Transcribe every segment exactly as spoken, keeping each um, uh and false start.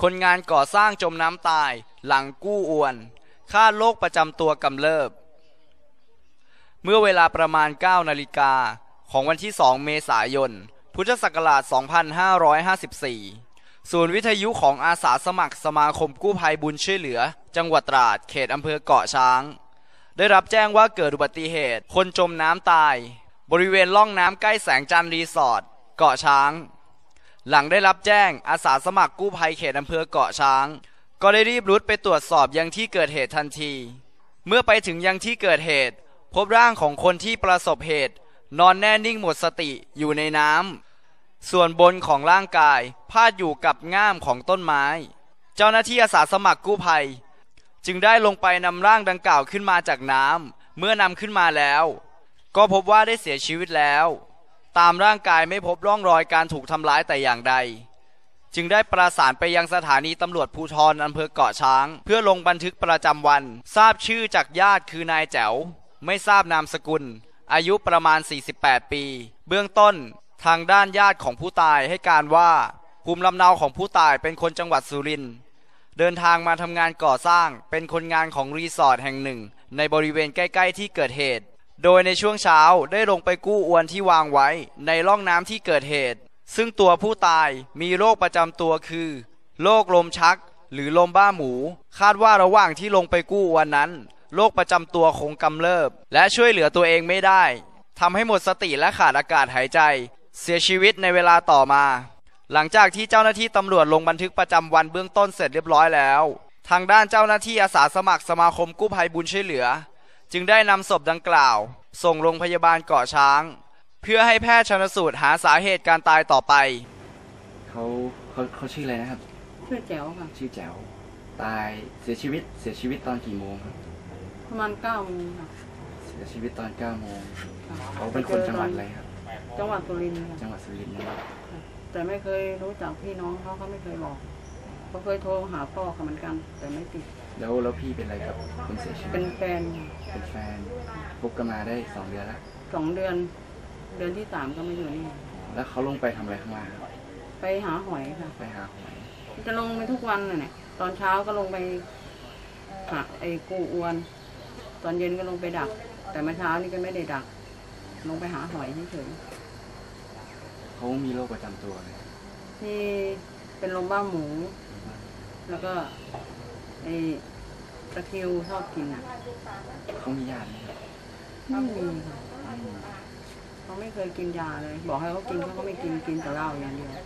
คนงานก่อสร้างจมน้ำตายหลังกู้อวนคาดโรคประจำตัวกำเริบเมื่อเวลาประมาณเก้านาฬิกาของวันที่สองเมษายนพุทธศักราชสองพันห้าร้อยห้าสิบสี่ศูนย์วิทยุของอาสาสมัครสมาคมกู้ภัยบุญช่วยเหลือจังหวัดตราดเขตอำเภอเกาะช้างได้รับแจ้งว่าเกิดอุบัติเหตุคนจมน้ำตายบริเวณล่องน้ำใกล้แสงจันทร์รีสอร์ทเกาะช้างหลังได้รับแจ้งอาสาสมัครกู้ภัยเขตอำเภอเกาะช้างก็ได้รีบรุดไปตรวจสอบยังที่เกิดเหตุทันทีเมื่อไปถึงยังที่เกิดเหตุพบร่างของคนที่ประสบเหตุนอนแน่นิ่งหมดสติอยู่ในน้ำส่วนบนของร่างกายพาดอยู่กับง่ามของต้นไม้เจ้าหน้าที่อาสาสมัครกู้ภัยจึงได้ลงไปนำร่างดังกล่าวขึ้นมาจากน้ำเมื่อนำขึ้นมาแล้วก็พบว่าได้เสียชีวิตแล้วตามร่างกายไม่พบร่องรอยการถูกทำร้ายแต่อย่างใดจึงได้ประสานไปยังสถานีตำรวจภูธรอำเภอเกาะช้างเพื่อลงบันทึกประจำวันทราบชื่อจากญาติคือนายแจ๋วไม่ทราบนามสกุลอายุประมาณสี่สิบแปดปีเบื้องต้นทางด้านญาติของผู้ตายให้การว่าภูมิลำเนาของผู้ตายเป็นคนจังหวัดสุรินทร์เดินทางมาทำงานก่อสร้างเป็นคนงานของรีสอร์ทแห่งหนึ่งในบริเวณใกล้ๆที่เกิดเหตุโดยในช่วงเช้าได้ลงไปกู้อวนที่วางไว้ในร่องน้ำที่เกิดเหตุซึ่งตัวผู้ตายมีโรคประจำตัวคือโรคลมชักหรือลมบ้าหมูคาดว่าระหว่างที่ลงไปกู้อวนนั้นโรคประจำตัวคงกำเริบและช่วยเหลือตัวเองไม่ได้ทำให้หมดสติและขาดอากาศหายใจเสียชีวิตในเวลาต่อมาหลังจากที่เจ้าหน้าที่ตำรวจลงบันทึกประจำวันเบื้องต้นเสร็จเรียบร้อยแล้วทางด้านเจ้าหน้าที่อาสาสมัครสมาคมกู้ภัยบุญช่วยเหลือจึงได้นำศพดังกล่าวส่งโรงพยาบาลเกาะช้างเพื่อให้แพทย์ชันสูตรหาสาเหตุการตายต่อไปเขาเขาเขาชื่ออะไรนะครับชื่อแจ๋วค่ะชื่อแจ๋วตายเสียชีวิตเสียชีวิตตอนกี่โมงครับประมาณเก้าโมงค่ะเสียชีวิตตอนเก้าโมงเขาเป็นคนจังหวัดอะไรครับจังหวัดสุรินทร์จังหวัดสุรินทร์นะครับแต่ไม่เคยรู้จักพี่น้องเขาเขาไม่เคยบอกเขาเคยโทรหาพ่อเขาเหมือนกันแต่ไม่ติดแล้วแล้วพี่เป็นอะไรกับคนเสียชีวิตเป็นแฟนเป็นแฟนพบกันมาได้สองเดือนแล้วสองเดือนเดือนที่สามก็มาอยู่นี่แล้วเขาลงไปทำอะไรข้างล่างไปหาหอยค่ะไปหาหอยจะลงไปทุกวันเลยเนี่ยตอนเช้าก็ลงไปหาไอ้กู้อวนตอนเย็นก็ลงไปดักแต่เมื่อเช้านี่ก็ไม่ได้ดักลงไปหาหอยเฉยๆเขามีโรคประจำตัวเลยที่เป็นลมบ้าหมูแล้วก็ไอ้ตะคริวชอบกินอ่ะเขามียาไหมไม่มีค่ะเขาไม่เคยกินยาเลยบอกให้เขากินเขาก็ไม่กินกินแต่เหล้าอย่างเดียว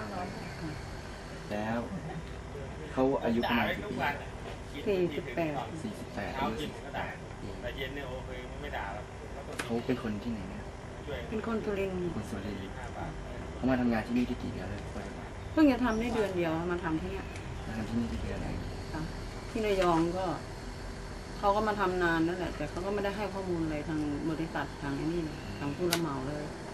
แล้วเขาอายุประมาณกี่ปีสี่สิบแปดสี่สิบแปดอายุสี่สิบแปดเขาเป็นคนที่ไหนเนี่ยเป็นคนสุรินทร์คนสุรินทร์เขามาทำงานที่นี่ได้กี่เดือนเลยเพิ่งจะทำได้เดือนเดียวมาทำที่นี่มาทำที่นี่ได้เดือนอะไรที่ระยองก็เขาก็มาทำนานนั่นแหละแต่เขาก็ไม่ได้ให้ข้อมูลอะไรทางบริษัททางนี้ทางผู้รับเหมาเลย